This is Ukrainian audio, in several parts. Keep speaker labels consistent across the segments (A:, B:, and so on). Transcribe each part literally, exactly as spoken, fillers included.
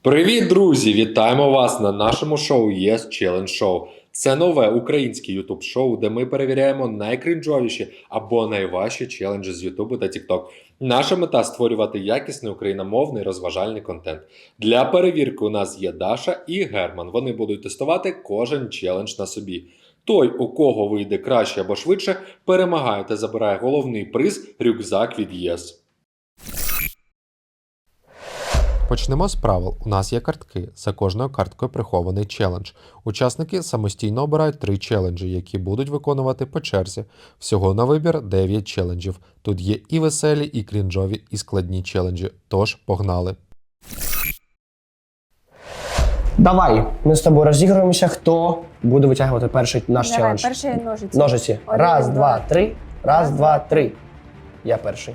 A: Привіт, друзі! Вітаємо вас на нашому шоу Yes Challenge Show. Це нове українське ютуб-шоу, де ми перевіряємо найкринжовіші або найважчі челенджі з Ютубу та Тікток. Наша мета – створювати якісний україномовний розважальний контент. Для перевірки у нас є Даша і Герман. Вони будуть тестувати кожен челендж на собі. Той, у кого вийде краще або швидше, перемагає та забирає головний приз – рюкзак від Yes. Почнемо з правил. У нас є картки. За кожною карткою прихований челендж. Учасники самостійно обирають три челенджі, які будуть виконувати по черзі. Всього на вибір дев'ять челенджів. Тут є і веселі, і крінжові, і складні челенджі. Тож, погнали!
B: Давай, ми з тобою розігруємося, хто буде витягувати перший наш
C: Давай,
B: челендж.
C: перший ножиці.
B: Ножиці.
C: Один,
B: Раз,
C: два.
B: два, три. Раз, два, три. Я перший.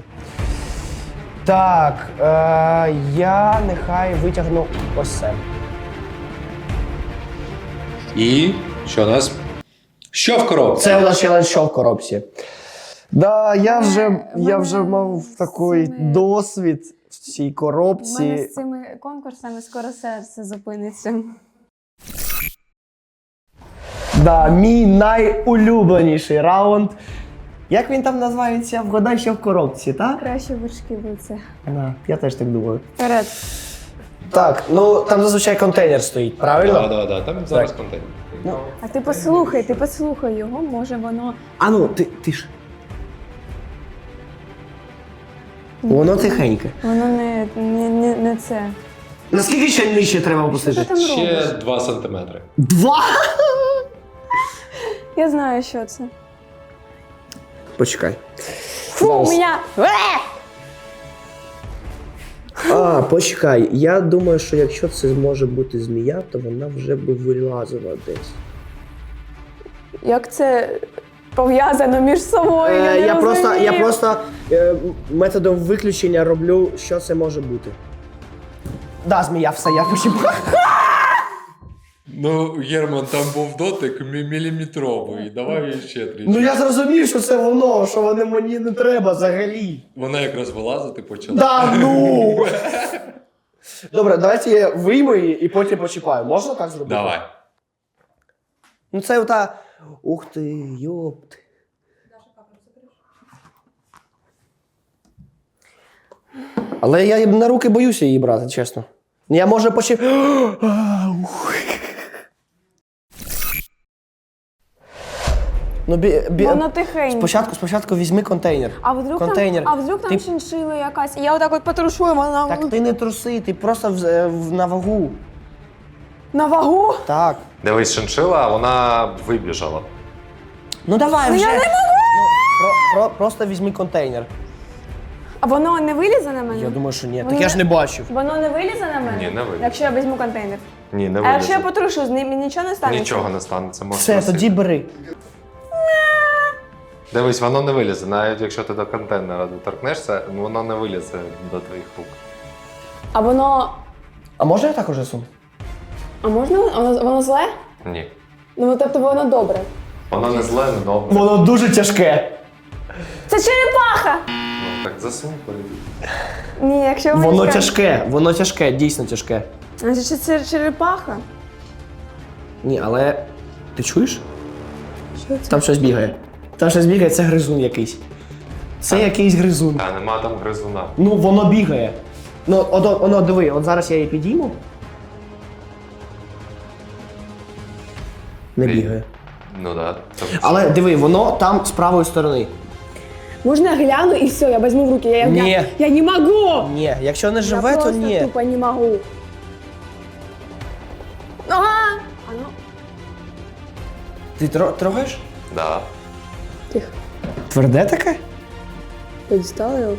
B: Так, е, я нехай витягну ось це.
A: І що у нас? Що в коробці?
B: Це у нас челендж що в коробці. Да, я вже,
C: Мене-
B: я вже
C: мене
B: мав
C: з
B: такий
C: цими-
B: досвід в цій
C: У
B: коробці.
C: мене з цими конкурсами скоро серце зупиниться.
B: Да, мій найулюбленіший раунд. Як він там називається? Вгадай, що в коробці, так?
C: Краще вершки це.
B: Да, я теж так думаю.
C: Вперед.
B: Так, ну там зазвичай контейнер стоїть, правильно?
A: Так, так, так. Там зараз
B: Так.
A: контейнер.
B: Ну,
C: А ти послухай, ти послухай його, може воно...
B: а ну, ти, ти ж. Воно тихеньке.
C: Воно не, не, не, не це.
B: Наскільки ще нижче треба
C: Що
B: опустити?
C: ти там
A: Ще
C: робиш?
A: два сантиметри.
B: Два!
C: Я знаю, що це.
B: Почекай.
C: Фу, у мене...
B: А, почекай. Я думаю, що якщо це може бути змія, то вона вже би вилазила десь.
C: Як це пов'язано між собою?
B: Е,
C: я не
B: я, просто, я
C: розумію.
B: просто е, методом виключення роблю, що це може бути. Да, змія, все, я почіпав.
A: Ну, Герман, там був дотик мі- міліметровий. Давай ще тричі.
B: Ну я зрозумів, що це воно, що воно мені не треба взагалі.
A: Вона якраз вилазити почала.
B: Да ну! Добре, давайте я вийму її і потім почіпаю. Можна так зробити?
A: Давай.
B: Ну це ота... Ух ти, йопт. Але я на руки боюся її брати, чесно. Я може почіп... Ну, бі, бі...
C: Воно тихенько.
B: Спочатку, спочатку візьми контейнер.
C: А вдруг
B: контейнер.
C: там, а вдруг там
B: Ти-
C: шиншила якась? Я отак от потрушу, і вона
B: Так ти не труси, ти просто в, в, на вагу.
C: на вагу.
B: Так.
A: Дивись, шиншила, вона вибіжала.
B: Ну давай
C: Ну,
B: вже.
C: я не
B: Ну, про, про, просто візьми контейнер.
C: А воно не вилізе на мене?
B: Я думаю, що ні.
C: Воно
B: Так я ж не бачив.
C: Воно не вилізе на мене?
A: Ні, не вилізе.
C: Якщо я візьму контейнер.
A: Ні, не
C: А якщо я
A: вилізе.
C: потрушу, з ним нічого не станеться?
A: Нічого не станеться. можеш
B: Все,
A: носити.
B: тоді бери.
A: Дивись, воно не вилізе. Навіть якщо ти до контейнера доторкнешся, воно не вилізе до твоїх рук.
C: А воно...
B: А можна я так уже сум?
C: А можна? Воно, воно зле?
A: Ні.
C: Ну, тобто воно добре.
A: Воно не зле, не добре.
B: Воно дуже тяжке.
C: Це черепаха!
A: Ну, так засунь полюбі.
C: Ні, якщо
B: Воно
C: мені
B: тяжке, воно тяжке, дійсно тяжке.
C: Значить, це черепаха?
B: Ні, але ти чуєш?
C: Що це?
B: Там щось бігає. Там щось бігає, це гризун якийсь. Це якийсь гризун.
A: Та нема там гризуна.
B: Ну, воно бігає. Ну, от, от, воно, диви, от зараз я її підійму. Не
A: Ні.
B: бігає.
A: Ну так. Да.
B: Але диви, воно там з правої сторони.
C: Можна я гляну і все, я візьму в руки. Я,
B: Ні.
C: Я, я не можу!
B: Ні, якщо не живе,
C: я
B: то
C: просто
B: ні.
C: тупо не можу. Ага! А ну,
B: Ти тро- трогаєш?
A: Да.
C: тихо.
B: Тверде таке?
C: Подістала його.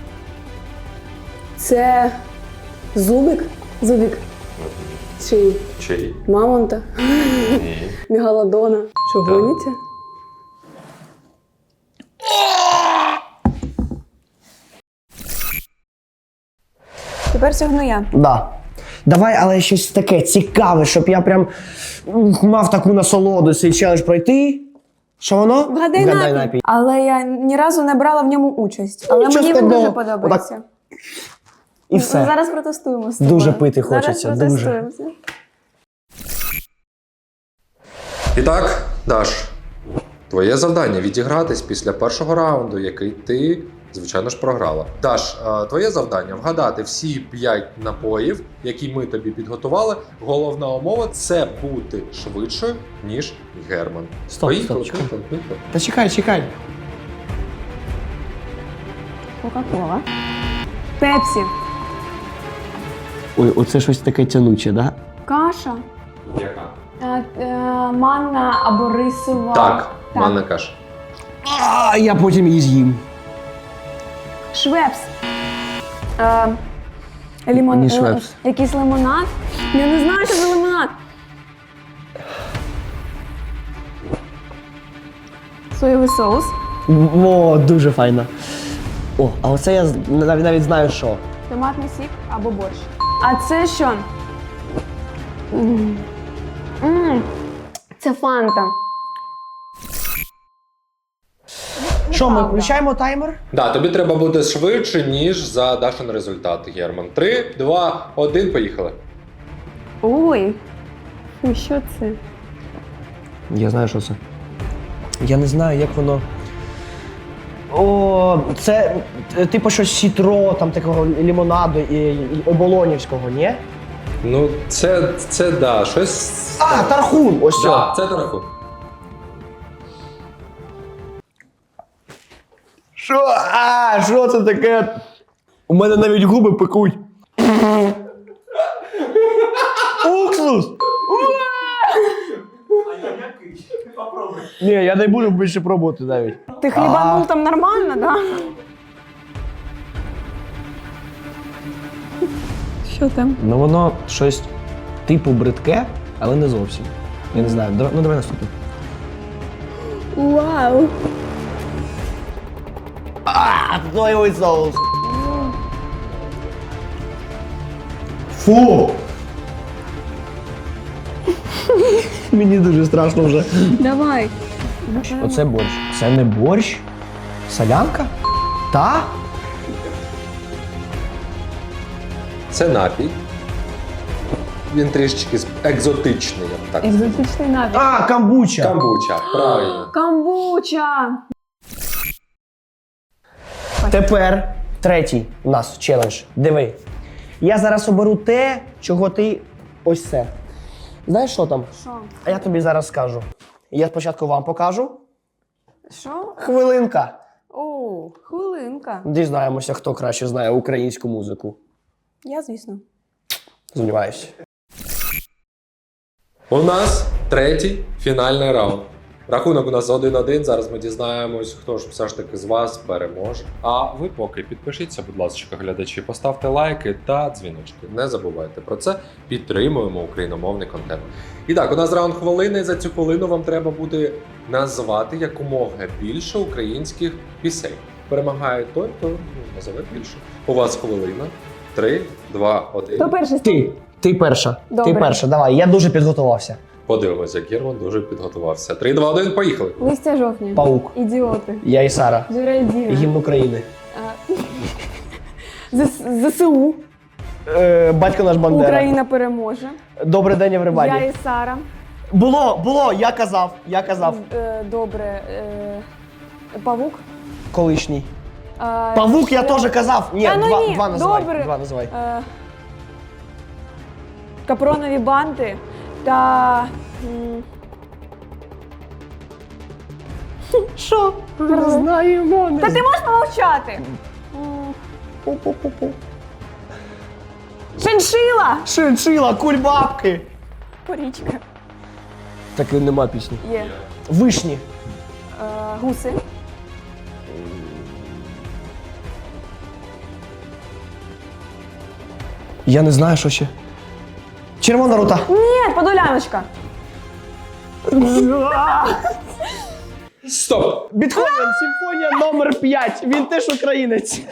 C: Це зубик? Зубик. Чи
A: Чий?
C: мамонта?
A: Ні.
C: Мегалодона. Що,
A: Так.
C: гоніте? Тепер сягну я.
B: Да. Давай, але щось таке цікаве, щоб я прям ух, мав таку насолоду цей челендж пройти. Що воно?
C: Вгадай напій. Але я ні разу не брала в ньому участь. Але
B: Нічого
C: мені він
B: складного.
C: дуже подобається.
B: І все.
C: Зараз протестуємо з тобою.
B: Дуже пити
C: Зараз
B: хочеться, дуже.
C: протестуємося.
A: І так, Даш, твоє завдання відігратись після першого раунду, який ти, звичайно ж, програла. Даш, е, твоє завдання вгадати всі п'ять напоїв, які ми тобі підготували. Головна умова це бути швидшою, ніж Герман.
B: Стоп,
A: Поїхали,
B: стоп, чекай.
A: поїхали, поїхали.
B: Та чекай, чекай.
C: Кока-кола. Пепсі.
B: Ой, оце щось таке тянуче, да?
C: Каша.
A: Яка?
C: Е, е, манна або рисова.
A: Так, манна каша.
B: А, я потім її з'їм.
C: Швепс. Е, лімон...
B: Ні,
C: е,
B: Швепс.
C: Якийсь лимонад. Я не знаю, що за лимонад. Соєвий соус.
B: О, дуже файно. О, а оце я з- навіть, навіть знаю, що.
C: Томатний сік або борщ. А це що? М. М. Це фанта.
B: Що, ми
C: Правда.
B: включаємо таймер?
A: Да, тобі треба бути швидше, ніж за Дашин результат, Герман. Три, два, один, поїхали.
C: Ой. Фу, що це?
B: Я знаю, що це. Я не знаю, як воно. О, це е, типу щось сітро, там такого лімонаду і, і оболонівського, ні?
A: Ну, це, це да, щось.
B: А, тархун! Ось
A: Да,
B: це.
A: це тарахун.
B: Що? А, що це таке? У мене навіть губи пекуть. Уксус! Ні, я не буду більше пробувати навіть.
C: Ти хлібанув там нормально, да? Що там?
B: Ну воно щось типу бридке, але не зовсім. Я не знаю. Давай- Ну давай наступне.
C: Вау!
B: А, соєвий соус. Фу! Мені дуже страшно вже.
C: Давай.
B: Оце борщ. Це не борщ? Солянка? Та?
A: Це напій. Він трішечки з- екзотичний, я б так.
C: Екзотичний напій.
B: А, камбуча.
A: Камбуча, правильно.
C: Камбуча!
B: Тепер третій у нас челендж. Диви. Я зараз оберу те, чого ти ось це. Знаєш, що там?
C: Що?
B: А я тобі зараз скажу. Я спочатку вам покажу.
C: Що?
B: Хвилинка.
C: О, хвилинка.
B: Дізнаємося, хто краще знає українську музику.
C: Я, звісно.
B: Сумніваюся.
A: У нас третій фінальний раунд. Рахунок у нас один-один. Зараз ми дізнаємось, хто ж все ж таки з вас переможе. А ви поки підпишіться, будь ласка, глядачі, поставте лайки та дзвіночки. Не забувайте про це. Підтримуємо україномовний контент. І так, у нас раунд хвилини. За цю хвилину вам треба буде назвати якомога більше українських пісень. Перемагає той, хто ну, назове більше. У вас хвилина. Три, два, один.
C: Хто перший?
B: Ти. Ти перша.
C: Добре.
B: Ти перша. Давай, я дуже підготувався.
A: Подивимося, як Герман дуже підготувався. Три, два, один, поїхали.
C: Листя жовтня.
B: Паук.
C: Ідіоти.
B: Я і Сара.
C: Зоря і Діна.
B: Гімн України.
C: А, Зс- ЗСУ.
B: Е, батько наш Бандера.
C: Україна переможе.
B: Добрий день,
C: Я
B: Евребаді.
C: і Сара.
B: Було, було, я казав, я казав.
C: Е, Добре. Е, Павук.
B: Колишній.
C: Е,
B: Павук я
C: що?
B: теж казав. Ні,
C: Та ну
B: два,
C: ні,
B: два називай.
C: добре.
B: Два називай.
C: Е, Капронові банти та. м, Що?
B: Знаємо.
C: Та ти можеш помовчати? М,
B: Пу-пу-пу-пу.
C: Шиншила!
B: Шиншила, кульбабки.
C: Порічка.
B: Так і нема пісні.
C: Є.
B: Вишні.
C: Е, Гуси.
B: Я не знаю, що ще. Червона рута.
C: Ні, подоляночка.
A: Стоп!
B: Бетховен, симфонія номер п'ять. Він теж українець.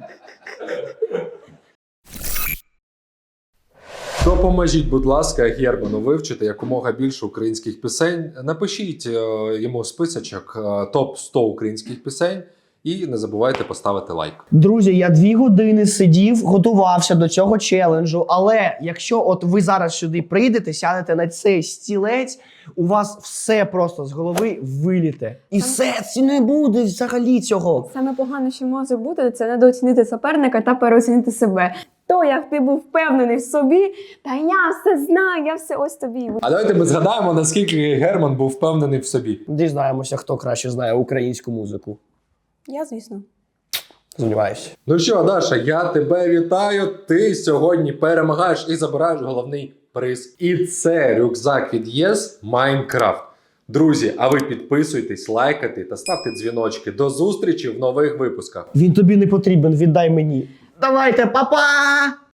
A: Допоможіть, будь ласка, Герману вивчити якомога більше українських пісень. Напишіть е, йому списочок е, топ сто українських пісень І не забувайте поставити лайк.
B: Друзі, я дві години сидів, готувався до цього челенджу. Але якщо от ви зараз сюди прийдете, сядете на цей стілець, у вас все просто з голови виліте. І все, це не буде взагалі цього.
C: Саме погано, що може бути, це недооцінити суперника та переоцінити себе. То, як ти був впевнений в собі, та я все знаю, я все ось тобі.
A: А давайте ми згадаємо, наскільки Герман був впевнений в собі.
B: Дізнаємося, хто краще знає українську музику.
C: Я, звісно.
B: Сподіваюся.
A: Ну що, Даша, я тебе вітаю. Ти сьогодні перемагаєш і забираєш головний приз. І це рюкзак від ЄС Майнкрафт. Друзі, а ви підписуйтесь, лайкайте та ставте дзвіночки. До зустрічі в нових випусках.
B: Він тобі не потрібен, віддай мені. Давайте, па-па!